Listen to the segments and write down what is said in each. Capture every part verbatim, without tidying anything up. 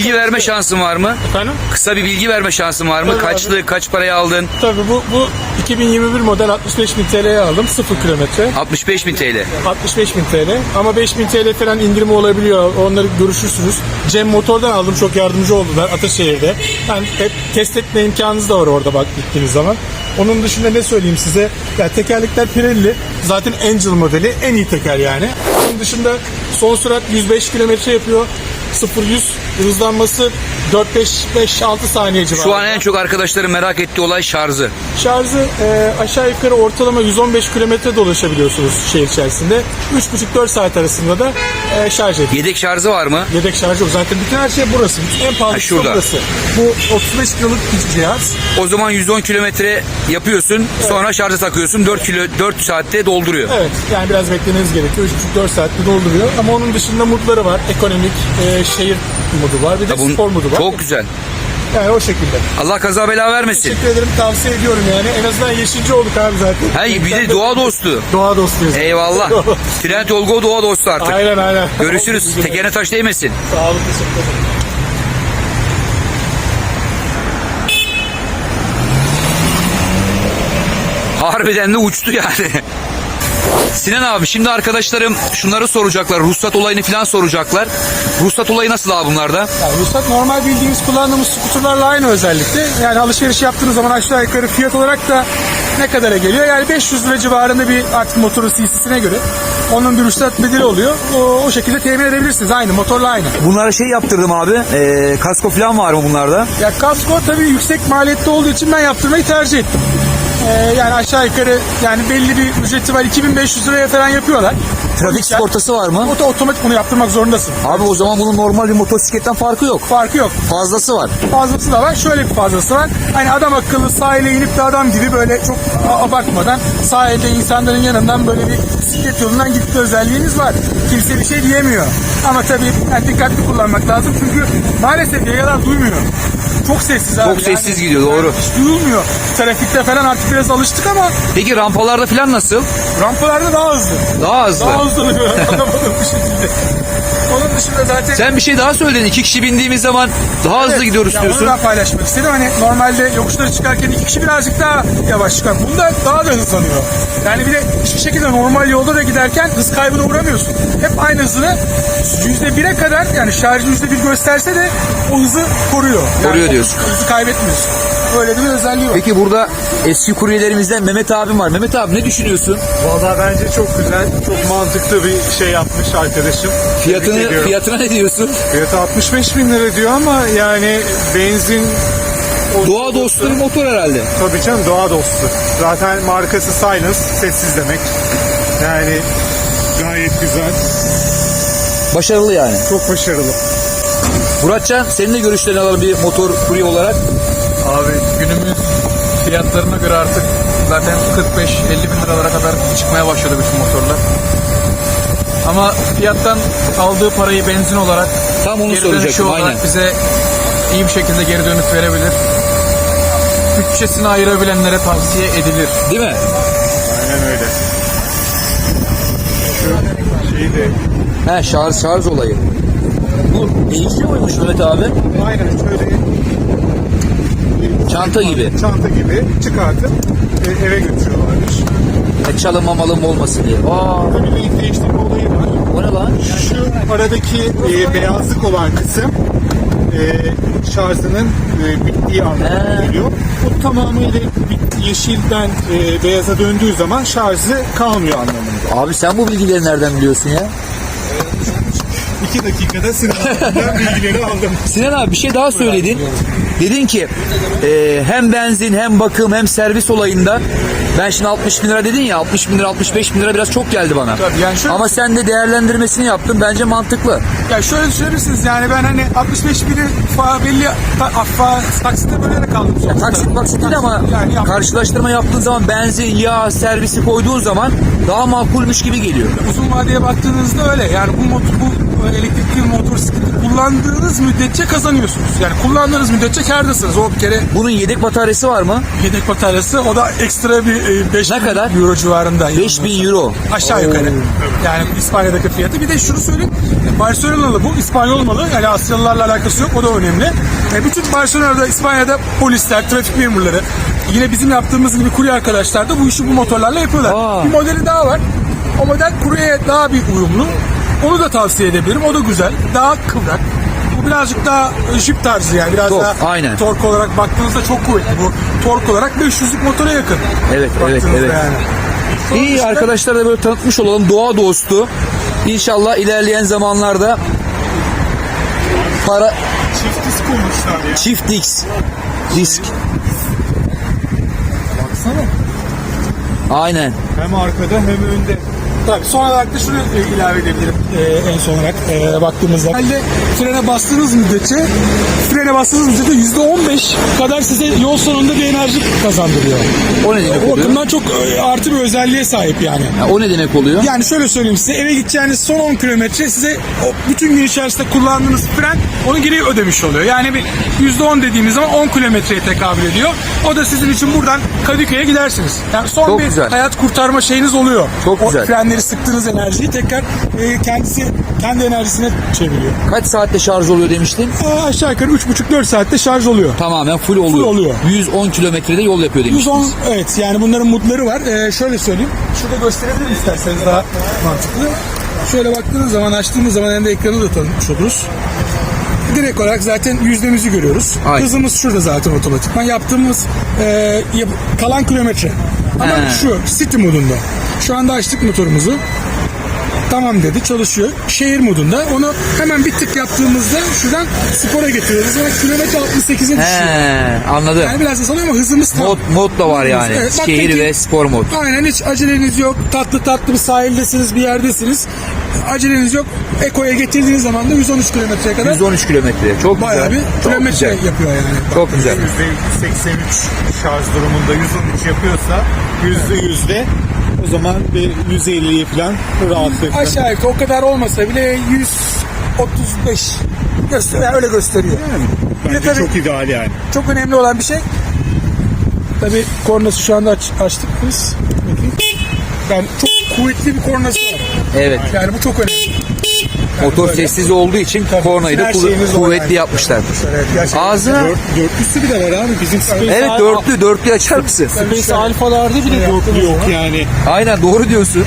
bilgi verme şansın var mı? Efendim? Kısa bir bilgi verme şansın var mı? Tabii Kaçlı, abi. kaç paraya aldın? Tabii bu, bu iki bin yirmi bir model altmış beş bin T L'ye aldım. sıfır kilometre. altmış beş bin T L. altmış beş bin T L. Ama beş bin T L falan indirimi olabiliyor. Onları görüşürsünüz. Cem Motor'dan aldım. Çok yardımcı oldular Ataşehir'de. Yani hep test etme imkanınız da var orada bak gittiğiniz zaman. Onun dışında ne söyleyeyim size? Ya tekerlekler Pirelli. Zaten Angel modeli. En iyi teker yani. Onun dışında son sürat yüz beş kilometre yapıyor. sıfır yüz hızlanması dört beş beş altı saniye civarında. Şu an en çok arkadaşların merak ettiği olay şarjı. Şarjı e, aşağı yukarı ortalama yüz on beş kilometre dolaşabiliyorsunuz şehir içerisinde. üç buçuk dört saat arasında da e, şarj ediyor. Yedek şarjı var mı? Yedek şarjı yok. Zaten bütün her şey burası. En Ha, pahalısı şurada. burası. Bu otuz beş kiloluk bir cihaz. O zaman yüz on kilometre yapıyorsun. Sonra şarja takıyorsun. dört kilo dört saatte dolduruyor. Evet. Yani biraz beklemeniz gerekiyor. üç buçuk dört saatte dolduruyor. Ama onun dışında modları var. Ekonomik, e, şehir modu var. Bir de Ya bunun- spor modu var. Çok güzel. Yani o şekilde. Allah kaza bela vermesin. Teşekkür ederim. Tavsiye ediyorum yani. En azından yeşilci olduk abi zaten. Hey, bir de doğa dostu. Doğa dostuyuz. Eyvallah. Trend Olgo doğa dostu artık. Aynen aynen. Görüşürüz. Tekerine taş değmesin. Sağ olun. Teşekkür ederim. Harbiden de uçtu yani. Sinan abi şimdi arkadaşlarım şunları soracaklar. Ruhsat olayını falan soracaklar. Ruhsat olayı nasıl abi bunlarda? Yani ruhsat normal bildiğimiz kullandığımız skuterlarla aynı özellikle. Yani alışveriş yaptığınız zaman aşağı yukarı fiyat olarak da ne kadara geliyor? Yani beş yüz lira civarında bir artık motorun C C'sine göre onun bir ruhsat bedeli oluyor. O, o şekilde temin edebilirsiniz. Aynı motorla aynı. Bunlara şey yaptırdım abi. E, kasko falan var mı bunlarda? Ya kasko tabii yüksek maliyette olduğu için ben yaptırmayı tercih ettim. Ee, yani aşağı yukarı yani belli bir ücreti var. iki bin beş yüz liraya falan yapıyorlar. Trafik sigortası var mı? Oto otomatik bunu yaptırmak zorundasın. Abi o zaman bunun normal bir motosikletten farkı yok. Farkı yok. Fazlası var. Fazlası da var. Şöyle bir fazlası var. Hani adam akıllı sahile inip de adam gibi böyle çok a- abartmadan sahilde insanların yanından böyle bir bisiklet yolundan gitme özelliğiniz var. Kimse bir şey diyemiyor. Ama tabii yani dikkatli kullanmak lazım. Çünkü maalesef yayalar duymuyor. Çok sessiz abi. Çok sessiz gidiyor, doğru. Hiç duyulmuyor. Trafikte falan artık biraz alıştık ama Peki rampalarda falan nasıl? rampalarda daha hızlı. Daha hızlı. Daha hızlı oluyor. Anlamadım bir şekilde. Onun dışında zaten Sen bir şey daha söyledin. İki kişi bindiğimiz zaman daha hızlı Evet, gidiyoruz ya diyorsun. Onu da paylaşmak istedim. Hani normalde yokuşları çıkarken iki kişi birazcık daha yavaş çıkar. Bunda daha da hızlanıyor. Yani bir de hiçbir şekilde normal yolda da giderken hız kaybına uğramıyorsun. Hep aynı hızını yüzde bire kadar yani şarjı yüzde bir gösterse de o hızı koruyor. Yani Koruyor o diyorsun. Hızı kaybetmiyorsun. Öyle bir özelliği var. Peki burada eski kuryelerimizden Mehmet abim var. Mehmet abi ne düşünüyorsun? Vallahi bence çok güzel, çok mantıklı bir şey yapmış arkadaşım. Tebrik Fiyatını, ediyorum. fiyatına ne diyorsun? Fiyatı altmış beş bin lira diyor ama yani benzin... o- Doğa dostu bir motor herhalde. Tabii canım, doğa dostu. Zaten markası Silence, sessiz demek. Yani gayet güzel, Başarılı yani. çok başarılı. Muratcan senin de görüşlerini alalım bir motor kurye olarak. Abi günümüz fiyatlarına göre artık zaten kırk beş elli bin liralara kadar çıkmaya başladı bütün motorlar. Ama fiyattan aldığı parayı benzin olarak Tam onu geri dönüşü soracaktım, olarak aynen. bize iyi bir şekilde geri dönüş verebilir. Bütçesini ayırabilenlere tavsiye edilir. Değil mi? Aynen öyle. Şu şeyi de... He şarj şarj olayı. Bu değişiyor muymuş Mehmet abi? Aynen şöyle... Çanta gibi. Çanta gibi çıkartıp e, eve götürüyorlarmış. E, çalınmamalım olmasın diye. Aa, Tabii renk değiştirme olayı var. o ne lan? Şu aradaki e, beyazlık olan kısım e, şarjının e, bittiği anlamına He. geliyor. Bu tamamıyla bit- yeşilden e, beyaza döndüğü zaman şarjı kalmıyor anlamında. Abi sen bu bilgileri nereden biliyorsun ya? İki dakikada sınavdan bilgileri aldım. Sinan abi bir şey daha söyledin. Dedin ki e, hem benzin hem bakım hem servis olayında ben şimdi altmış bin lira dedin ya altmış bin lira altmış beş bin lira biraz çok geldi bana. Tabii yani şöyle- Ama sen de değerlendirmesini yaptın bence mantıklı. Ya şöyle düşünebilirsiniz yani ben hani altmış beş bini fa, belli ta, fa, taksitte bölerek aldım. sonuçta. Taksit maksit değil ama Yani yap- karşılaştırma yaptığın zaman benzin, yağ, servisi koyduğun zaman daha makulmüş gibi geliyor. uzun vadeye baktığınızda öyle. Yani bu motor, bu elektrikli motosikleti kullandığınız müddetçe kazanıyorsunuz. Yani kullandığınız müddetçe kârdasınız. O bir kere Bunun yedek bataryası var mı? yedek bataryası o da ekstra bir beş Ne kadar? euro civarında. beş bin euro. Aşağı yukarı. Yani İspanya'daki fiyatı. Bir de şunu söyleyeyim. Barcelona'lı bu. İspanyol malı. Yani Asyalılarla alakası yok. O da önemli. E, bütün Barcelona'da, İspanya'da polisler, trafik memurları, yine bizim yaptığımız gibi kurye arkadaşlar da bu işi bu motorlarla yapıyorlar. Aa. Bir modeli daha var. O model kuryeye daha bir uyumlu. Onu da tavsiye edebilirim. O da güzel. Daha kıvrak. Bu birazcık daha Jeep tarzı yani. Biraz Tork, daha aynen. tork olarak baktığınızda çok kuvvetli. Bu tork olarak beş yüzlük motora yakın. Evet, evet, Baktığınızda evet. yani. İyi Sonuçta- arkadaşlar da böyle tanıtmış olalım. Doğa dostu. İnşallah ilerleyen zamanlarda para Çift disk olmuşlar ya. çift disk disk. Baksana. Aynen. Hem arkada hem önde. Tabii son olarak da şunu e, ilave edebilirim e, en son olarak e, baktığımızda. Halde frene bastığınız müddetçe frene bastığınız müddetçe yüzde on beş kadar size yol sonunda bir enerji kazandırıyor. O ne demek O oluyor? bakımdan çok e, artı bir özelliğe sahip yani. Ha, o ne demek oluyor? Yani şöyle söyleyeyim size, eve gideceğiniz son on kilometre size o bütün gün içerisinde kullandığınız fren onu geri ödemiş oluyor. Yani bir yüzde on dediğimiz zaman on kilometreye tekabül ediyor. O da sizin için buradan Kadıköy'e gidersiniz. Yani son Çok bir güzel. hayat kurtarma şeyiniz oluyor. Çok o güzel. frenleri sıktığınız enerjiyi tekrar e, kendisi kendi enerjisine çeviriyor. Kaç saatte şarj oluyor demiştin? Aa, aşağı yukarı üç buçuk dört saatte şarj oluyor. Tamamen full oluyor. oluyor. yüz on kilometrede yol yapıyor yüz on demiştiniz. evet, yani bunların modları var. Ee, şöyle söyleyeyim. Şurada gösterebilirim isterseniz daha mantıklı. Şöyle baktığınız zaman, açtığımız zaman hem de ekranı da tanıtmış oluruz. Direkt olarak zaten yüzdemizi görüyoruz. Aynen. Hızımız şurada zaten otomatikman. Yaptığımız e, yap- kalan kilometre. Ama He. şu city modunda. Şu anda açtık motorumuzu. Tamam dedi, çalışıyor. Şehir modunda. Onu hemen bir tık yaptığımızda şuradan spora getiriyoruz. Sonra kilometre altmış sekize düşüyor. He, anladım. Yani biraz da sanıyor ama hızımız tam. Mod, mod da var yani. Evet, bak Şehir peki- ve spor mod. Aynen, hiç aceleniz yok. Tatlı tatlı bir sahildesiniz, bir yerdesiniz. Aceleniz yok. Eko'ya getirdiğiniz zaman da yüz on üç kilometreye kadar yüz on üç kilometre. Çok bayağı güzel. bir Çok kilometre güzel. yapıyor yani. Çok güzel. yüzde seksen üç şarj durumunda yüz on üç yapıyorsa yüzde yüzde o zaman bir yüz elliyi falan rahatlıkla. Aşağı yukarı o kadar olmasa bile yüz otuz beş gösteriyor. Yani öyle gösteriyor. Bir de Bence tabii çok ideal yani. çok önemli olan bir şey. Tabii kornası şu anda aç, açtık biz. Bakayım. Yani çok kuvvetli bir kornası var. Evet. Yani bu çok önemli. Motor böyle. sessiz olduğu için kornayı da Her kuv- şeyiniz o kuvvetli yani. yapmışlar. Evet, gerçekten. Ağzına Dört, dörtlüsü bir de var abi. Bizim Space, evet dörtlü dörtlü açar mısın? Space Alfa'larda bile dörtlü yok yani. Aynen doğru diyorsun.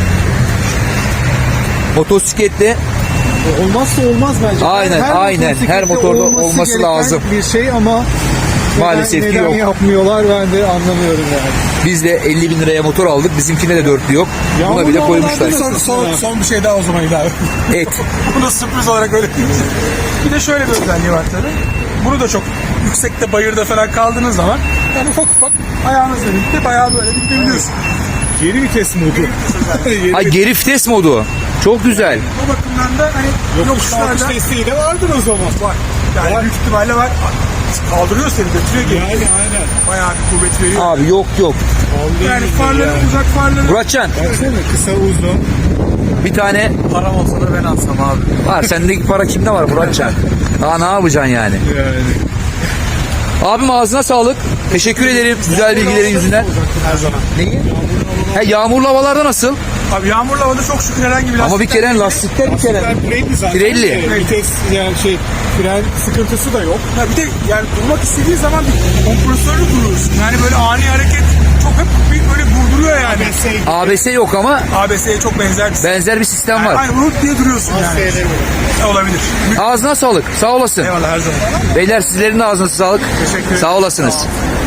Motosikletle Olmazsa olmaz bence. Aynen, aynen. motosiklette Her motorda olması olması gereken lazım. bir şey ama Maalesef neden, ki neden yok. yapmıyorlar ben de anlamıyorum yani. biz de elli bin liraya motor aldık. Bizimkine de dörtlü yok. Buna Yağmurlu bile koymuşlar. havalarda Son, son, son bir şey daha o zaman ilave. Et. Bu da sürpriz olarak öyle değil. Bir de şöyle bir özelliği var tabii. Bunu da çok yüksekte, bayırda falan kaldığınız zaman yani ufak ufak ayağınızla birlikte bayağı böyle gidebiliyorsun. Geri vites modu. Geri Ha, geri vites modu. Çok güzel. O bakımdan da hani yokuş kalkış yokuşlarda desteği de vardır o zaman. var. Yani Var. büyük ihtimalle var. Kaldırıyor seni, götürüyor geri. Yani aynen. Bayağı bir kuvvet veriyor. Abi yok yok. Yani farları, uzak farları. Muratcan Baksana kısa uzun. bir tane Param olsa da ben alsam abi. var. Sendeki para kimde var Muratcan? Daha ne yapacaksın yani? Yani. Abim ağzına sağlık. Teşekkür ederim güzel bilgilerin yüzünden. Her zaman. Neyi? Ha, yağmurlu havalarda nasıl? Abi yağmurlu havada çok şükür herhangi bir Ama bir lastikten- kere lastikler bir kere. Ben Pirelli zaten. Pirelli. Ee, Vites yani şey fren sıkıntısı da yok. Ha bir de yani durmak istediği zaman bir kompresörlü duruyorsun. Yani böyle ani hareket çok hep bir böyle vurduruyor yani. A B S yok ama A B S'ye çok benzer bir sistem. benzer bir sistem Yani var. aynı vurup diye duruyorsun yani. Olabilir. Ağzına sağlık. Sağ olasın. Eyvallah, her zaman. Beyler sizlerin de ağzına sağlık. Teşekkür ederim. Sağ olasınız.